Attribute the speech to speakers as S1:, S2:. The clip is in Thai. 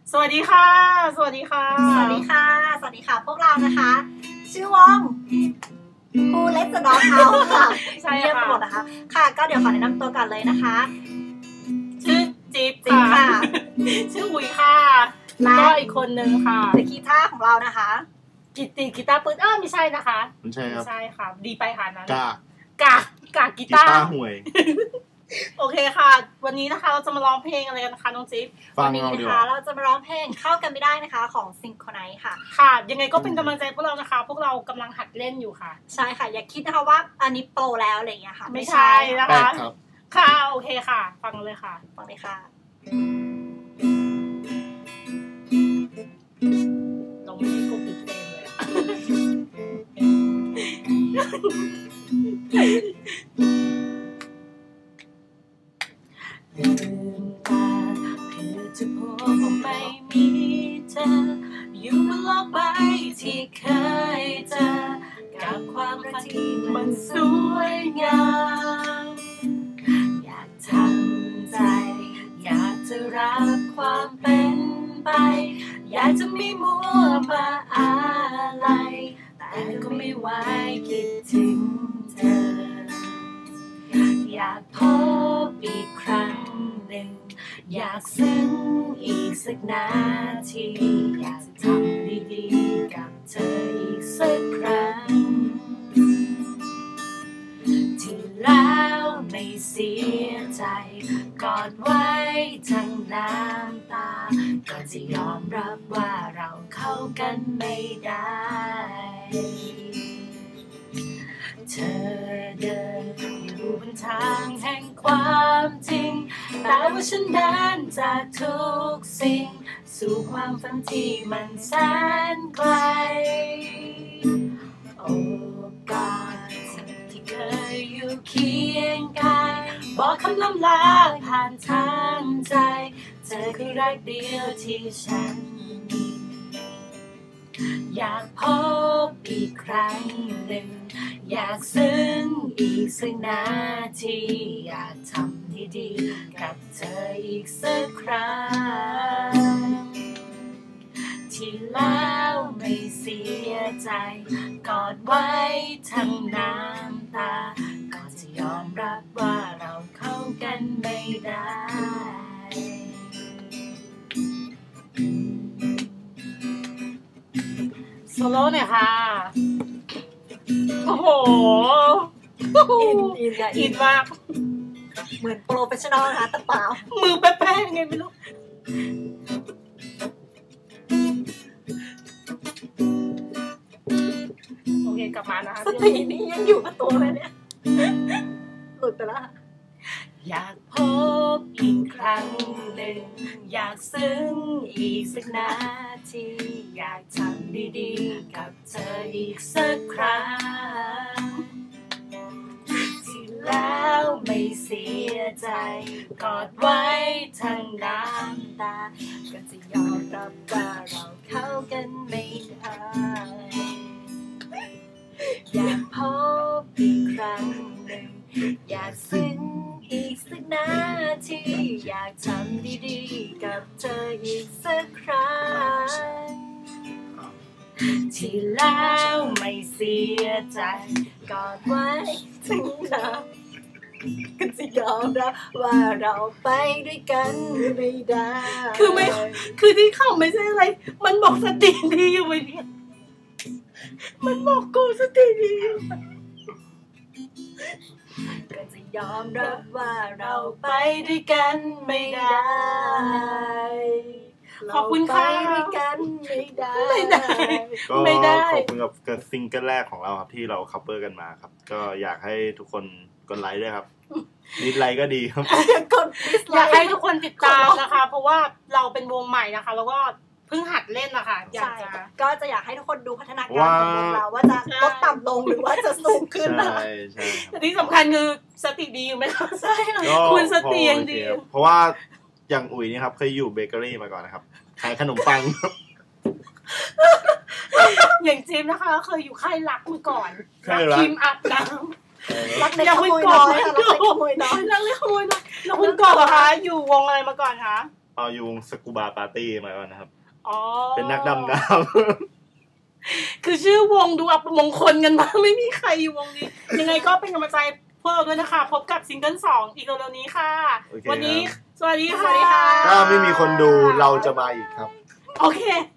S1: สวัสดีค่ะสวัสดีค่ะ
S2: สวัสดีค่ะสวัสดีค่ะพวกเรานะคะชื่อวงWho Let the Dog Out ค่ะ
S1: ใช่
S2: เรียบ
S1: ค่ะ
S2: หมดนะคะค่ะก็เดี๋ยวขอแนะนำตัวกันเลยนะคะ
S1: ชื่อจิ๊บ
S2: ค่ะ
S1: ชื่ออุ๋ยค่ะก็อีกคนนึงค่ะ
S2: เดอะกีตาร์ของเรานะคะ
S1: กิตติกีตาร์ปืนไม่ใช่นะคะ
S3: ไม่ใช่ครับ
S1: ไม่ใช่ค่ะดีไปหานั้น
S3: กา
S1: กีตาร์
S3: ห่วย
S1: โอเคค่ะวันนี้นะคะเราจะมาร้องเพลงอะไรกันนะคะน้องจิ๊บ
S2: วันนี้นะคะเราจะมาร้องเพลงเข้ากันไม่ได้นะคะของ Synchronize ค่ะ
S1: ค่ะยังไงก็เป็นกำลังใจพวกเรานะคะพวกเรากำลังหัดเล่นอยู่ค่ะ
S2: ใช่ค่ะอย่าคิดนะคะว่าอันนี้โปรแล้วอะไรอย่างเงี้ยค่ะ
S1: ไม่ใช่นะคะค่ะโอเคค่ะฟังเลยค่ะ
S2: ฟังเลยค่ะ
S1: เราไม่ได้กดปิดเพลงเลยลืมตาเพื่อจะพบว่าไม่มีเธออยู่บนโลกใบที่เคยเจอกับความรักที่มันสวยงามอยากทำใจอยากจะรับความเป็นไปอยากจะไม่มัวมาอะไรแต่ก็ไม่ไหวคิดถึงเธออยากพบอีกครั้งหนึ่งอยากซึ้งอีกสักนาทีอยากจะทำดีๆกับเธออีกสักครั้งที่แล้วไม่เสียใจกอดไว้ทั้งน้ำตาก็จะยอมรับว่าเราเข้ากันไม่ได้เธอเดินอยู่บนทางแห่งความจริงแต่ว่าฉันเดินจากทุกสิ่งสู่ความฝันที่มันแสนไกลโอ้กอดที่เคยอยู่เคียงกายบอกคำล่ำลาผ่านทางใจเธอคือรักเดียวที่ฉันมีอยากพบอีกครั้งหนึ่งอยากซึ้งอีกสักนาทีอยากทำดีๆกับเธออีกสักครั้งที่แล้วไม่เสียใจกอดไว้ทั้งน้ำตาก็จะยอมรับว่าเราเข้ากันไม่ได้โซโล่หน่อยค่ะโอ้โหอินมาก
S2: เหมือนโปรเฟชชั่นอลนะคะแต่เปล่า
S1: มือแป๊ะๆไงไม่รู้โอเคกลับมานะคะ
S2: สตินี่ยังอยู่กับตัวเลยเนี่ยหลุดไปแล้ว
S1: อยากพบอีกครั้งหนึ่งอยากซึ้งอีกสักนาทีอยากทำดีๆกับเธออีกสักครั้งที่แล้วไม่เสียใจกอดไว้ทั้งน้ำตาก็จะยอมรับว่าเราเข้ากันไม่ได้อยากพบอีกครั้งหนึ่งอยากซึ้งอีกสักนาทีอยากทำดีๆกับเธออีกสักครั้งที่แล้วไม่เสียใจกอดไว้ถึงน้ำก็จะยอมรับว่าเราไปด้วยกันไม่ได้คือที่เขาไม่ใช่อะไรมันบอกสติดีอยู่เนี่ยมันบอกกูสติดีก็จะยอมรับว่าเราไปด้วยกันไม่ได้ขอบคุณค่ะไปด้วยกันไม่ได้
S3: ขอบคุณกับซิงเกิลแรกของเราครับที่เราคัฟเวอร์กันมาครับก็อยากให้ทุกคนกดไลค์ด้วยครับนิดไลค์ก็ดีครับ
S1: อยากให้ทุกคนติดตามนะคะเพราะว่าเราเป็นวงใหม่นะคะแล้วก็เพิ่งหัดเล่นนะคะ
S2: ก็จะอยากให้ทุกคนดูพัฒนาการของวงเราว่าจะลดต่ำลงหรือว่าจะสูงขึ้นนะ
S3: ใช่
S1: แต่ที่สำคัญคือสติดีอยู่ไหมคะใช่คุณสติยังดี
S3: เพราะว่าอย่างอุ๋ยนี่ครับเคยอยู่เบเกอรี่มาก่อนนะครับขายขนมปัง
S1: อย่างจิ๊บนะคะเคยอยู่ค่ายรักมาก่อน
S3: รัก
S1: ทีมอัดน้
S2: ำรักเด็กขโมยน้อยค่ะรักเด็กขโมยน้อย
S1: แล้วคุณก่อนเหรอคะอยู่วงอะไรมาก่อนคะ
S3: เอาอยู่วงสกูบาปาร์ตี้มาก่อนนะครับ
S1: อ๋อ
S3: เป็นนักดำน้ำ
S1: คือชื่อวงดูอัปมงคลกันมากไม่มีใครอยู่วงนี้ ยังไงก็เป็นกำลังใจพวกเราด้วยนะคะพบกับซิงเกิล2อีกเร็วๆนี้ค่ะ
S3: โอเค
S1: วันนี้
S3: ครับ
S1: สวัสดี
S2: สวัสดีค่ะ
S3: ถ้าไม่มีคนดูเราจะมาอีกครับ
S1: โอเค